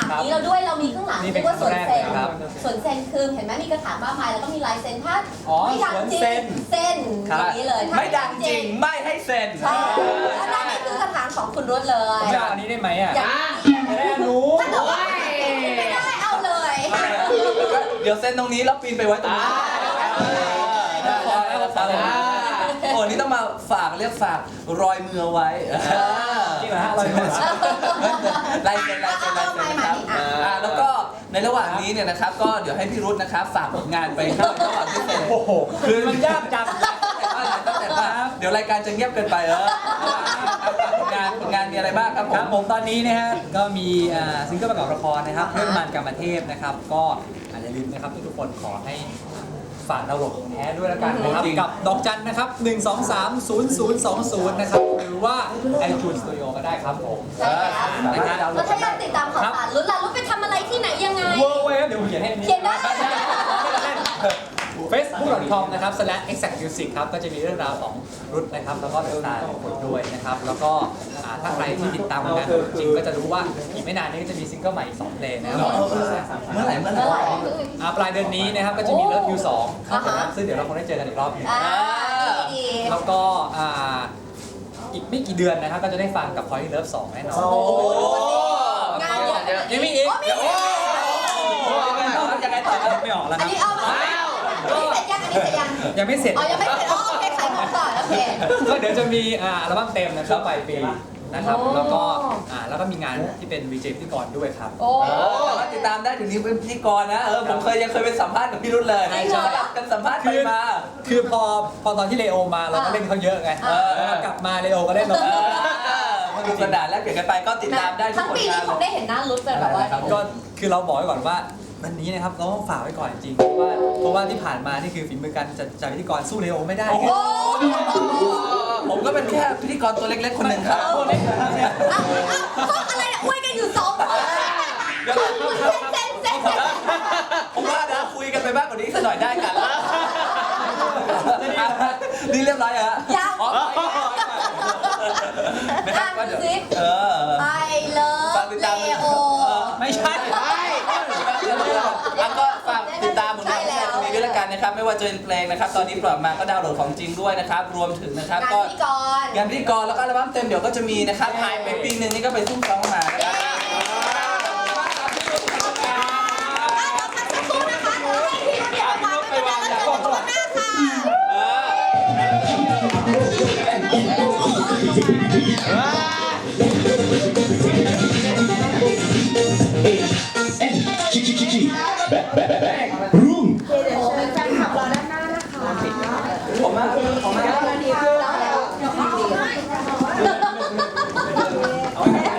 นี้เราด้วยเรามีข้างหลังนี่เป็นว่าสวนเซนครับสวนเซนคือเห็นไหมมีกระถางมากมายแล้วก็มีลายเซ็นถ้าอ๋อไม่ดังจริสวนเซ็งนเส้นอย่างนี้เลยถ้าไม่ดังจริงไม่ให้เซ็นใช่แล้วนั่นนี่คือกระถางของคุณรุ่เลยผมจะเอาอันนี้ได้ไหมอ่ะอย่างจะได้รู้ถ้าเกิดว่าไม่ได้เอาเลยเดี๋ยวเซ็นตรงนี้แล้วปีนไปไว้ตรงนี้โอ้นี่ต้องมาฝากเรียกฝากรอยมือไว้จริงเหรอฮะเราอยู่ไหนลายเซ็นครับแล้วก็ในระหว่างนี้เนี่ยนะครับก็เดี๋ยวให้พี่รุธนะครับฝากผลงานไปครับระหว่างที่เซ็นโอ้โหคือมันยากจังแต่ว่าเดี๋ยวรายการจะเงียบเกินไปผลงานมีอะไรบ้างครับผครับมผมตอนนี้นะฮะก็มีซิงเกิลประกอบละครนะครับเรื่องมันกรรมเทพนะครับก็อย่าลืมนะครับทุกคนขอให้ฝากดาวน์โหลดของแท้ด้วยแล้วกันนะครับกับดอกจันนะครับ1230020นะครับหรือว่า iTunes Studio ก็ได้ครับผมใช่แล้วแล้วถ้าอยากติดตามข่าวสารรุ่นล่ะรุ่นไปทำอะไรที่ไหนยังไงเวอร์เว้ยเดี๋ยวผมเขียนให้เขียนได้ facebook.com นะครับ /exactmusic ครับก็จะมีเรื่องราวของรุ่นนะครับแล้วก็เรื่องราวของคนด้วยนะครับแล้วก็ถ้าใครที่ติดตามงานจริงก็จะรู้ว่าอีกไม่นานนี้ก็จะมีซิงเกิลใหม่อีก2เพลงนะครับเมื่อไหร่ปลายเดือนนี้นะครับก็จะมี Love You 2ครับซึ่งเดี๋ยวเราคงได้เจอกันอีกรอบนึงดีแล้วก็อีกไม่กี่เดือนนะครับก็จะได้ฟังกับ Point Love 2 แน่นอนงานเยอะยังมีอีกยังไงต่อครับไม่ออกแล้วอัคน รับนี้เอาอันนี้เสร็จยังอันนี้เสร็จยังยังไม่เสร็จอ๋อยังไม่เสร็จโอเคขายของต่อโอเคก็เดี๋ยวจะมีอัลบั้มเต็มนะครับปลายปีนะครับแล้วก็มีงานที่เป็นวีเจพิธีกรด้วยครับโอ้สามารถติดตามได้ถึงนี้เป็นพิธีกรนะผมยังเคยเป็นสัมภาษณ์กับพี่รุ่นเลยสลับกันสัมภาษณ์ไปมาคือพอตอนที่เลโอมาเราก็เล่นเขาเยอะไงกลับมาเลโอก็เล่นเรามาดูกระดาษแล้วเปลี่ยนกันไปก็ติดตามได้ทุกทั้งผลปีงานี้นคงได้เห็นหน้ารุ่นเป็นแบบว่าก็คือเราบอกไว้ก่อนว่าวันนี้นะครับเราต้องฝากไว้ก่อนจริงเพราะว่าที่ผ่านมานี่คือฝีมือการจัดพิธีกรสู้เลโอไม่ได้ผมก็เป็นแค่พิธีกรตัวเล็กๆคนหนึ่งครับตัวเล็กนะครับอะไรเนี่ยอวยกันอยู่2 คนเซ็นผมว่านะคุยกันไปมากกว่านี้สักหน่อยได้กันนี่เรียบร้อยเหรอยังนะครับก็เดี๋ยวไอเลิฟเลโอไม่ใช่แล้วก็ฝากติดตามผลงานของตรงนี้ด้วยละกันนะครับไม่ว่าจะเป็นเพลงนะครับตอนนี้ปล่อยมาก็ดาวน์โหลดของจริงด้วยนะครับรวมถึงนะครับก็งานพิธีกรแล้วก็อัลบั้มเต็มเดี๋ยวก็จะมีนะครับหายไปปีนึงนี่ก็ไปซุ่มซ้อมมานะครับค่ะ